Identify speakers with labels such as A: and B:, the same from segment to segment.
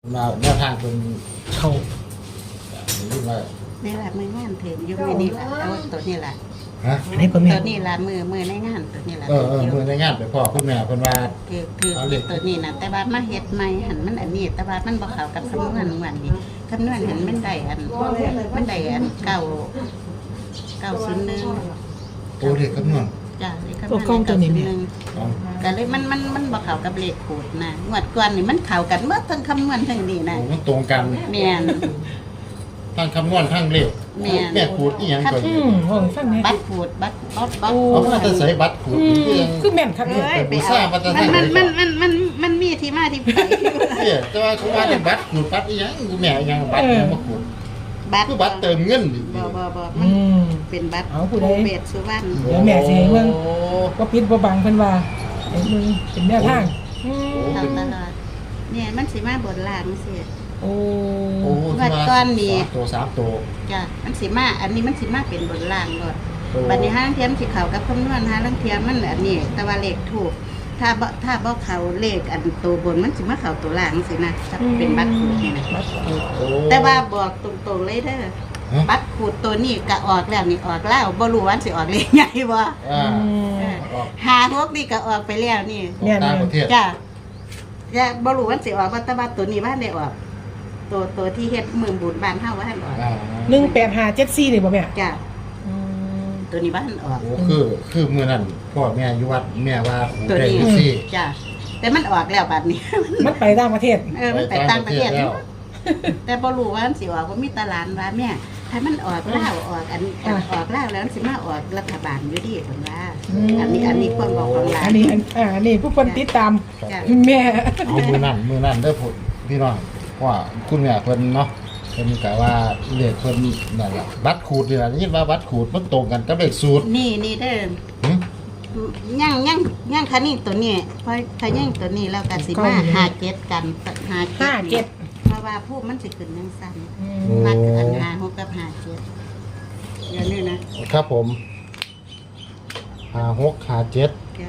A: มาแนวทางเป็นเข้าหรือว่า
B: นี่แหละมืองานถึงอยู่มือนี่แหละเอาตัวนี้แหละ
A: ฮะ
C: อันนี้ก็แม่
B: ตัวนี้แหละมือในงานตัวนี้แหละ
A: มือในงานไปพ่อคุณแม่คนว่า
B: คือตัวนี้นะแต่ว่ามาเฮ็ดใหม่หันมันอันนี้ แต่ว่ามันบ่เข้ากับคำนวณวันนี้คำนวณหันมันได้อันเก่า901
A: โอ้เด็กคำนวณ
B: จ้ะเลยคำนวณ901ก็เลยมันบ่เข้ากับเลขขูดนะงวดก่อนนี่มันเข้ากันเมื่อทั้งคำนวณทั้งนี้นะ
A: โอ้มันตรงกัน
B: แม่น
A: ทั้งคำนวณทั้งเลข
B: แม่น
A: แม่ขูดอีหยังก่อน
C: ว่าฟังแม่
B: บัตรขูดบัตร
A: เอามาจะใส่บัตรขูดอีหยัง
C: คือแม่นครับ
B: เอ้
C: เนี่ย
B: ยไปเอามันมีที่มาที่ไป
A: เนี่ยแต่ว่าเขาว่าเป็นบัตรขูดบัตรอีหยังกูแม่อีหยังบัตรเนี่ยมาขูด
B: บัตร
A: คือบัตรเติมเงินดิ
B: บ่
C: อืม
B: เป็นบัตร
C: เอาผู้ใด
B: เบสสุวรรณ
C: เดี๋ยวแม่สิให้เบิ่ง
A: โอ้
C: ว่าปิดบ่บังเพิ่นว่าไอ้มึงเป็นแนวทางอืม
B: เอาตลอดเนี่ยมันสิมาบนล่างสิ
C: โอ้
A: โอ้
B: วัดก้อนนี่
A: สามตัว
B: จ้ะมันสิมาอันนี้มันสิมาเป็นบนล่างหมด
A: โอ้
B: บัดนี้ห้างเทียมสิเข้ากับคำนวณหาลังเทียมมันอันนี้แต่ว่าเลขถูกถ้าบ่เข้าเลขอันตัวบนมันสิมาเข้าตัวล่างสินะถ้าเป็นบัตรขูดนี่นะ
C: บัตรขูด
A: โอ้
B: แต่ว่าบอกตรงๆเลยเด้อ
A: ฮะ
B: บัตรขูดตัวนี้ก็ออกแล้วนี่ออกแล้วบ่รู้ว่าสิออกเลขใหญ่บ่
A: อ่า
B: เออหาฮกนี่ก็ออกไปแล้วนี่
A: ออกต่างประเทศ
B: จ้ะอย่าบ่รู้ว่าสิออกว่าแต่ว่าตัวนี้บ้านได้ออก ตัวที่เฮ็ดมือบุญบ้านเฮาว่าท่านออก
C: 18574นี่บ่แม่
B: จ้ะ
C: อืม
B: ตัวนี้บ้านออก
A: โอ้คือมื้อนั้นพ่อแม่อยู่วัดแม่ว่าขูด
B: ตัว
A: ได้
B: นี้
A: สิ
B: จ้ะแต่มันออกแล้วบัดนี้
C: มันไปต่างประเทศ
B: มันไปต่างประเทศ
A: แล้ว
B: แต่บ่รู้ว่ามันสิออกบ่มีตลาดว่าแม่ถ้ามันออกลาวออกออกลาวแล้วมันสิมาออกรัฐบาลอยู่ดีเพิ่นว่า อันนี้ความบอกของหลาน
C: อันนี้ผู้คนติดตาม
B: จ้ะ
C: แม่
A: เอามือนั่นเด้อพี่น้องว่าคุณแม่เพิ่นเนาะเพิ่นกะว่าเลขเพิ่นนั่นล่ะบัตรขูดนี่ล่ะได้ยินว่าบัตรขูดมันตรงกันกับเลขสูตร
B: นี่เด้อ
A: หึ
B: ย่างคันนี้ตัวนี้พอถ้าย่างตัวนี้แล้วก็สิมาหาเจ็ดกันหาเจ็ดเพราะว่าผู้มันสิขึ้นยังสั้นมักอันหาหกกับหาเจ็ดเดี๋ยวนี้นะครับ
A: ผม56 57
B: จ้ะ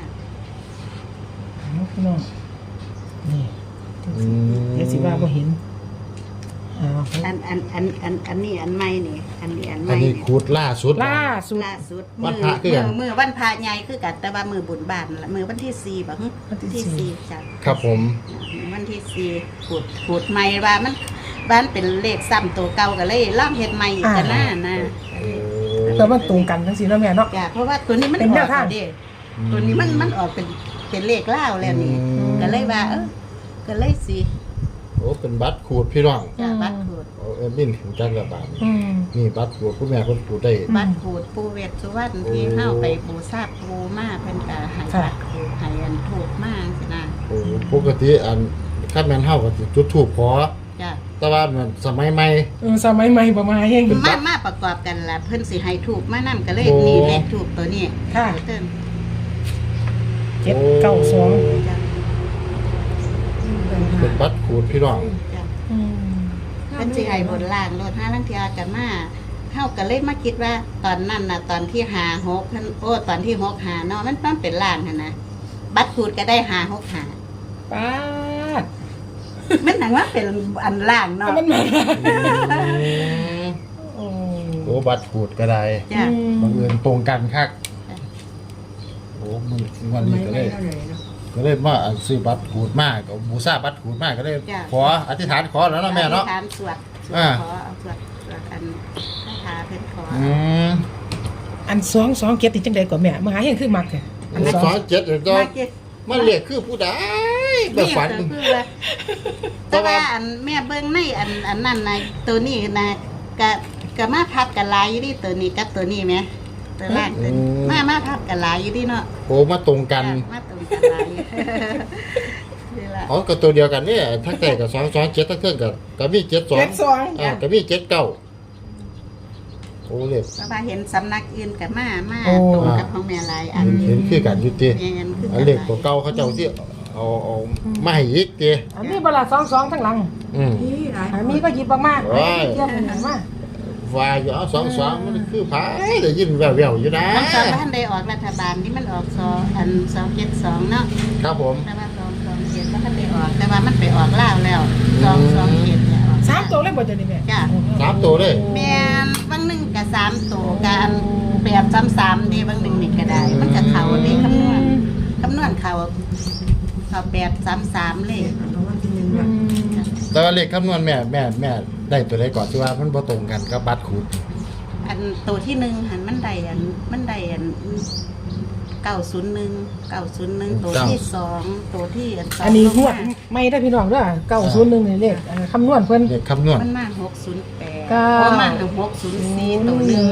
C: เอาพี่น้องนี่
A: อืม
C: เดี๋ยวสิว่าบ่เห็นอ้าว
B: อันนี้อันใหม่นี่อันนี้อันให
A: อั
B: ม่
A: นนี้
B: นี่
A: ขูดล่าสุด
C: ล่าสุด
B: ล่าสุด
A: วันพระคือกัน
B: มือวันพระใหญ่คือกันแต่ว่ามือบุญบานละมือวันที่4บ่ฮึ
C: วันที่
B: ที่4จ้ะ
A: ครับผม
B: วันที่4ขูดใหม่ว่ามันบ้านเป็นเลขซ้ำตัวเก่าก็เลยล่องเฮ็ดใหม่อีกกันนะ
A: โอ้
C: แต่มันตรงกันทั้งสี่แล้วแม่เนาะ
B: จ้ะเพราะว่าตัวนี้มัน
C: เป็น
B: อ
C: แน
B: อ
C: ว
B: ก
C: ทาง
B: เด้ตัวนี้มันออกเป็นเลขเล่าวแล้วนี่ก็เลยว่าก็เลยสิ
A: โอ้เป็นบัตรขูดพี่น้อง
B: จ้ะบัตรขูด
A: โอ้เอ็มบินถึงจังระบาด
C: อืม
A: นี่บัตรขูดคุณแม่เพิ่นขูดได้
B: บัตรขูดปูเวทสุวรรณที่เฮาไปบูชาปูมาเพิ่นก็ให้บัตรขูดให้อันถูกมาสินะ
A: โอ้ปกติอันคันแม่นเฮาก็สิจุดธูปขอ
B: จ้ะ
A: แต่ว่ามันสมัยใหม่
C: สมัยใหม่ประมาณยัง
B: มาประกอบกันล่ะเพิ่นสิให้ถูกมานํก็เลย
A: โอ้
B: นี่เลขถูกตัวนี้
C: ค่ะ
B: เติม
C: 792
B: จ้ะ
A: เป็นบัตรขูดพี่น้อง
B: จ้ะ
C: อืม
B: เพิ่นสิให้บนล่างรถห้าลังเทียกันมาเฮาก็เลยมาคิดว่าตอนนั้นน่ะตอนที่หา6เพิ่นตอนที่6หาเนาะมันเป็นล่างหั่นนะบัตรขูดก็ได้หา6หา
C: ป้าด
B: มันหนังว่าเป็นอันล่างเนาะ
C: มันมาโอ้
A: โอ้บัตรขูดก็ได้
B: จ้ะ
A: บังเอิญตรงกันคักโอ้มันวันนี้ก็เลยมาซื้อบัตรขูดมากกับบูชาบัตรขูดมากก็เลยขออธิษฐานขอแล้วเนาะแม่เนาะ
B: อธิษฐานสวด
A: อ่า
B: ขอเอาสวดอันคาถาเพิ่นขอ
C: อัน227ติจังได๋ก่อนแม่มาหาเฮงคือมักแท้
A: อันนี้สอนเจ็ดเดี๋ยวจะ
B: มาเก็บ
A: มันเรียกคือผู้ใดแบบฝัน
B: เคือว่าแต่ว่าอันแม่เบิ่งในอันนั้นนะตัวนี้นะก็มาพับกันหลายอยู่ดิตัวนี้กับตัวนี้แหมตัวล่างตัวนี้มาพับกันหลายอยู่ดิเนาะ
A: โอ้มาตรงกัน
B: มาตรงกันหลายนี่ล่ะ
A: อ๋อก็ตัวเดียวกันเนี่ยทั้งแต่กับ227ทั้งเครื่องกับมี72กับมี79โอ้เล็บ
B: เพราะว่าเห็นสำนักอื่นกับมา
C: โอ้
B: ตรงกับของแม่หลายอัน
A: เห็นคือกันอยู่ติ
B: แม่นคือ
A: อันเล็กตัวเก่าเขาเจ้าที่เอามาให้อีกติ
C: อันนี้บ่ล่ะ22ทั้งหลัง
A: อืม
C: อันนี้ก็หยิบมากๆ
A: โอ้ย
C: เยี่ยมเหมือนมา
A: ว่าอยู่เอา22มันคือไผได้ยินแว่วๆอยู่นะ
B: มันสองบ้านได้ออกรัฐบาลนี่มันออก272เนาะ
A: ครับผม
B: แต่ว่า227บ่ทันได้ออกแต่ว่ามันไปออกลาวแล้ว227
C: บ่จะนี่แม่
B: จ้ะ
A: 3ตัวเลย
B: แม่นบางหนึงก็3ตัวกันแบบ3เด้บางหนึงนี่ก็ได้ มันก็เข้าเด้คำนวณเข้าแบบ33เลย
A: แต่ว่าเลขคำนวณแม่ได้ตัวใดก่อนที่ว่ามันบ่ตรงกันกับบัตรขูด
B: อันตัวที่1หันมันได้901ตัวที่2ตัวที่สอง
C: อันนี้งวดไม่ได้พี่น้องเด้อ901นี่เลขคำนวณเพิ่น
A: เลขคำนวณ
B: มันมา608
C: เก้า
B: เพราะมา604ตัวหนึง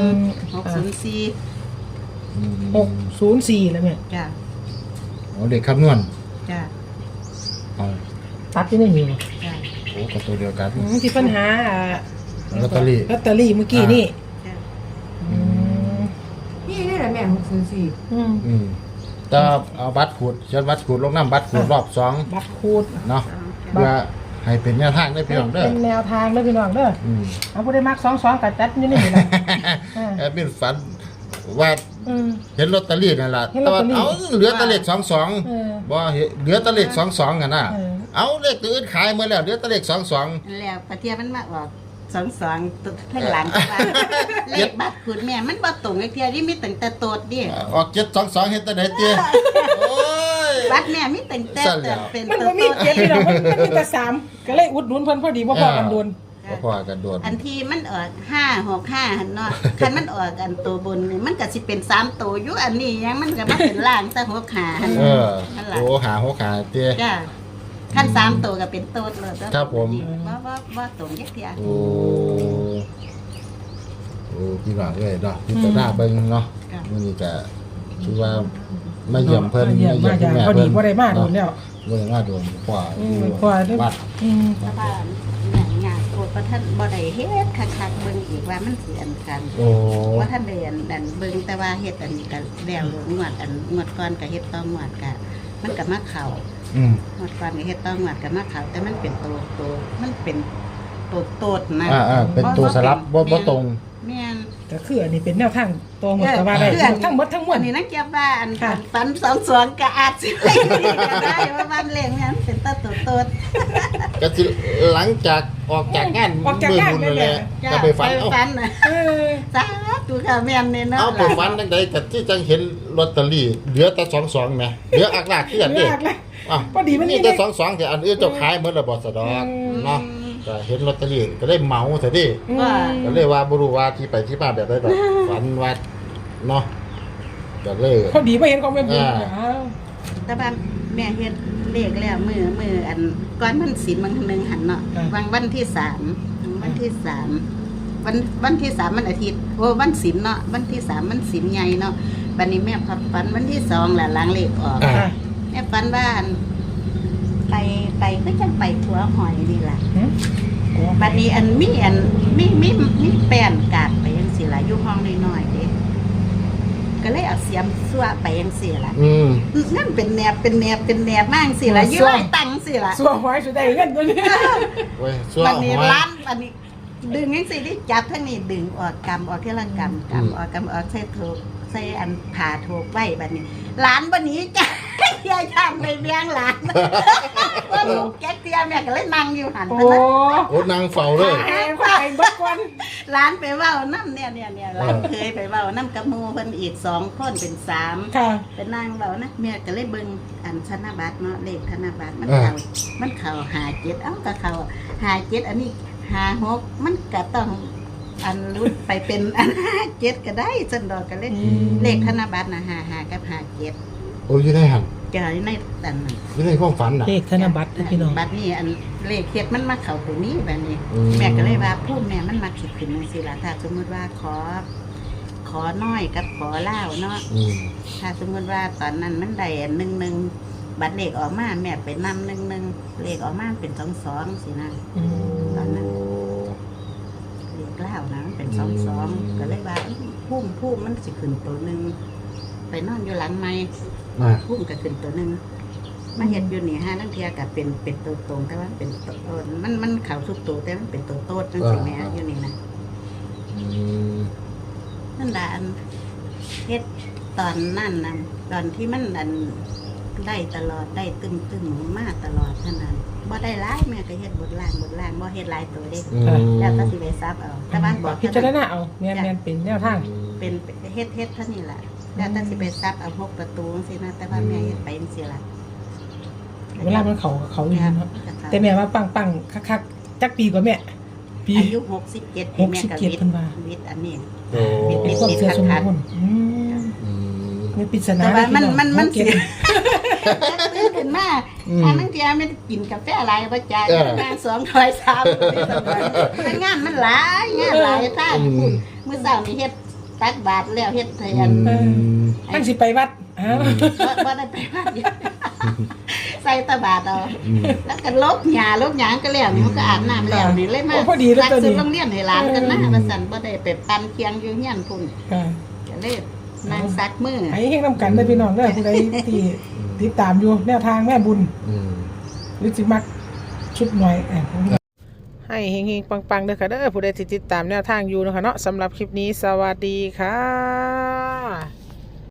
B: 604
C: 604แล้วแม่
B: จ้ะ
A: เอาเลขคำนวณ
B: จ้ะ
A: เอา
C: ตัดที่นี่มี
B: จ้ะ
A: โอ้ก็ตัวเดียวกัน
C: ที่ปัญหา
A: ลอตเตอรี่
C: ลอตเตอรี่เมื่อกี้นี่
B: จ้ะ
C: อืม
D: นี่ได้แหละแม่604
C: อืม
A: แต่เอาบัตรขูดเขียนบัตรขูดลงน้ำบัตรขูดรอบ2
C: บัตรคูด
A: เนาะเพื่อให้เป็นแนวทางได้พี่น้องเด้อ
C: เป็นแนวทางเด้อพี่น้องเด้อ
A: อืม
C: เอาผู้ได้มัก22กับจัดอยู่นี่แหละ
A: แอดมินฝันว่า
C: อืม
A: เห็นลอตเตอรี่นั่นล่ะ
C: เห็นล
A: แต่
C: อต
A: ว่า
C: เตอรี่
A: เอาเหลือแต่เลข
C: เออ
A: 22บ่เห็นเหลือแต่เลข22กันน่ะ
C: เออ
A: เอาเลขอื่นขายหมดแล้วเหลือแต่เลข22
B: แล้วปะเทียมันมาออก22ตัวข้างหลังว่าเลขบัตรคุณแม่มันบ่ตรงไอ้เทียที่มีตั้งแต่โตดดิ
A: ออก722เฮ็ดแต่ไหนเตี้ยโอ้ย
B: บัตรแม่มีตั้งแต่
A: สั่นแล้ว
B: เป็น
C: มัน
B: ตั
C: บ่
B: ว
C: มี
B: โตด
C: เจ็ดพี่น้องมันมีแต่3ก็เลยอุดหนุนเพิ่นพอดีบ่พอกันโดน
A: บ่พอกันโดน
B: อันที่มันออก565หั่นเนาะคันมันออกอันตัวบนนี่มันก็สิเป็น3ตัวอยู่อันนี้ยังมันก็มาเป็นล่างซะ65หั่น
A: เออ
B: นั่นล่ะ
A: โอ้หาหัวขาเตี้ย
B: จ้ะคัน3ตัวก็เป็นโตดเลย
A: ครับผม
B: บ่ตรงจักเทีย
A: โอ้พี่น้องเอ้ยเนาะพิจารณาเบิ่งเนาะ
B: จ้ะ
A: มื้อนี้ก็คือว่ามาเยี่ยมเพิ่น
C: มาเยี่ยม
A: คุณแม่
C: พอดี
A: เพิ่น
C: บ่ได้มาโดนแล้ว
A: บ่ได้มาโดนกว่า
C: กว่าเด้อ
A: วัด
C: อืม
B: ชาวบ้านเนี่ยงานโคตรประท่านบ่ได้เฮ็ดคักๆเบิ่งอีกว่ามันสิอันกัน
A: โอ้
B: ว่าท่านได้อันเบิ่งแต่ว่าเฮ็ดอันนี้ก็แล้วงวดก่อนก็เฮ็ดต้องงวดก็มันก็มาเข้า
A: อืม
B: งวดก่อนก็เฮ็ดต้องงวดก็มาเข้าแต่มันเป็นตัวมันเป็นตัวนะ
A: เป็นตัวสลับบ่ตรง
B: แม่น
C: ก็คืออันนี้เป็นแนวทางตัวหมดก็ว่าได้ทั้งหมดทั้งมว
B: อั
C: ล
B: นนี้นักเก็บว่าอัน
C: ค่ะ
B: ฝัน2-2ก็อาจสิก็ได้ว่าบ้านเลขแม่นเป็นตัว
A: ก็สิหลังจากออกจากงาน
C: ออกจากงาน
A: มื้อบุญนั่นแหละ
B: จ้ะ
A: ก็ไปฝัน
B: ไป
A: เอา
B: ฝันน่ะ
C: เออ
B: สาธุค่ะแม่นเนี่ยเนาะ
A: เอาไปฝันจังไดก็ที่จังเห็นลอตเตอรี่เหลือแต่22แหมเหลืออักลากคือกัน
C: เลื
A: เด้
C: อกเลย
A: อ่ะ
C: พอดีมันมี
A: แต่22แต่อันอื่นเจ้าขายหมดแล้วบ่สะดอก
C: อืม
A: เนาะก็เห็นลอตเตอรี่ก็เลยเหมาซะดิ
B: ว่า
A: ก็เลยว่าบ่รู้ว่าที่ไปที่มาแบบใดดอกฝันว่าเนาะก็เลย
C: พอดีไม่เห็นของแม่บุญ
A: อ่า
B: แต่ว่าแม่เฮ็ดเลขแล้วมืออันก่อนมันศีลบางนึงหันเนาะวันที่3วันที่3วันที่3มันอาทิตย์โอ้วันศีลเนาะวันที่3มันศีลใหญ่เนาะบัดนี้แม่พับฝันวันที่2ล่ะหลังเลขออก
C: ค่ะ
B: แม่ฝันว่าอันไปก็จังไปทัวหอยนี่ล่ะ
C: หืม
B: บัดนี้อันมีแป้นกาดไปจังซี่ล่ะอยู่ห้องน้อยๆเด้ก็เลยเอาเสียมซั่วไปจังซี่ล่ะ
A: อืม
B: นั่นเป็นแนบมากสิล่ะยืดตังสิล่ะ
C: สัวหอยสุดได้เงินตัวนี้
A: เว้ยซัว
B: วันนี้
A: หอย
B: ร้านวันนี้ ดึงยังสิที่จับทั้งนี้ดึงออกกำออกที่ละกำออกใส่ถูกใส่อันผ่าถูกไว้บัดนี้ร้านบัดนี้จ้ะยายทำเลยเลี้ยงหลานว่าลูกแก๊กเตียแม่ก็เลยนั่งอยู่หัน
C: โอ้
B: ไปนะ
A: โอ้นางเฝ้าเลย
C: แห้งไปเบิดก่อน
B: ร้านไปเว่าน้ำเนี่ยร้านเคยไปเว่าน้ำกับหมูเพิ่นอีก2 คนเป็น3
C: ค่ะ
B: เป็นนางเบานะแม่ก็เลยเบิ่งอันธนบัตรเนาะเลขธนบัตรมันเข่า57เอ้าก็เข่า57อันนี้56มันก็ต้องอันรุดไปเป็นอัน57ก็ได้ซั่นดอกก็เลยเลขธนบัตรน่ะ55กับ57
A: โอ้ยอยู่ในหัน
B: เจอในอันนั้น
A: อยู่ในความฝันน่ะ
C: เลขธนบัตรนะพี่น้อง
B: บัตรนี้อันเลขเฮ็ดมันมาเข้าตัวนี้แบบนี้
A: อืม
B: แม่ก็เลยว่าพูดแม่มันมาคิดขึ้นจังซี่ล่ะถ้าสมมุติว่าขอน้อยกับขอเล่าวเนาะ
A: อืม
B: ถ้าสมมติว่าตอนนั้นมันได้11บัตรเลขออกมาแม่ไปนำ11เลขออกมาเป็น22สินะ
C: อืม
B: ตอนนั้นเลขเล่าวนะมันเป็น22ก็เลยว่าพุ่มมันสิขึ้นตัวหนึงไปนอนอยู่หลังไม้
A: อ่า
B: พุ่มก็ขึ้นตัวหนึงมาเฮ็ดอยู่นี่5ลังเทียก็เป็นตัวตรงแต่ว่าเป็นตัวมันเข้าทุกตัวแต่มันเป็นตัวโตดจังซี่แม่อยู่นี่นะ
A: อืม
B: นั่นล่ะอันเฮ็ดตอนนั้นน่ะตอนที่มันอันได้ตลอดได้ตึมมาตลอดเท่านั้นบ่ได้หลายแม่ก็เฮ็ดบทล่างบ่เฮ็ดหลายตัวเด้แล้วก็สิไปซับเอาแต่บ้านบอก
C: พิจารณาเอาแม่นเป็นแนวทาง
B: เป็นเฮ็ดเท่านี้ล่ะแล้วแต่สิไปซับเอา6ประตูจังซี่นะแต่ว่าแม่เฮ็ดไปจังซี่ล่ะ
C: เวลามันเขาอยู่เนาะแต่แม่ว่าปังคักๆจักปีกว่าแม่ปี
B: อายุ67ปีแม่ก็
C: 67เพิ่นว่า
B: วิทย์อันนี้
A: โอ้
C: เป็นความเชื่อส่วนบุคคลไม่ปริศนา
B: แต่ว่ามัน
C: เก็
B: สิ
C: บ
B: ตื่นขึ้นมาอันนั้นเดียวมันกินกาแฟหลายบ่จ่ายงาน2 ถ้วย3งานมันหลายท่านคุณมื้อเช้านี่เฮ็ดตักบาตรแล้วเฮ็ดแทน
C: มันสิไปวัดอ้าว
B: บ่ได้ไปวัดใส่ตะบาตรเอาแล้วก็ลบหญ้าลบหยางก็แล้วนี่มันก็อาบน้ำแล้วนี่เลยมา
C: พอดีแล้ว
B: ตัก
C: ตัว
B: ซื้อ
C: นี้
B: โรงเรียนให้หลานกันนะว่าซั่นบ่ได้ไปปั่นเคียงอยู่เฮียนพุ่น
C: ค่ะ
B: ก็เลยนั่งซักมือ
C: ให้เฮงนำกันได้อพี่น้องเด้อผู้ใดที่ติดตามอยู่แนวทางแม่บุญหรือสิมักชุดหน่อยให้เฮงๆปังๆเด้อค่ะเด้อผู้ใดที่ติดตามแนวทางอยู่นะคะเนาะสำหรับคลิปนี้สวัสดีค่ะ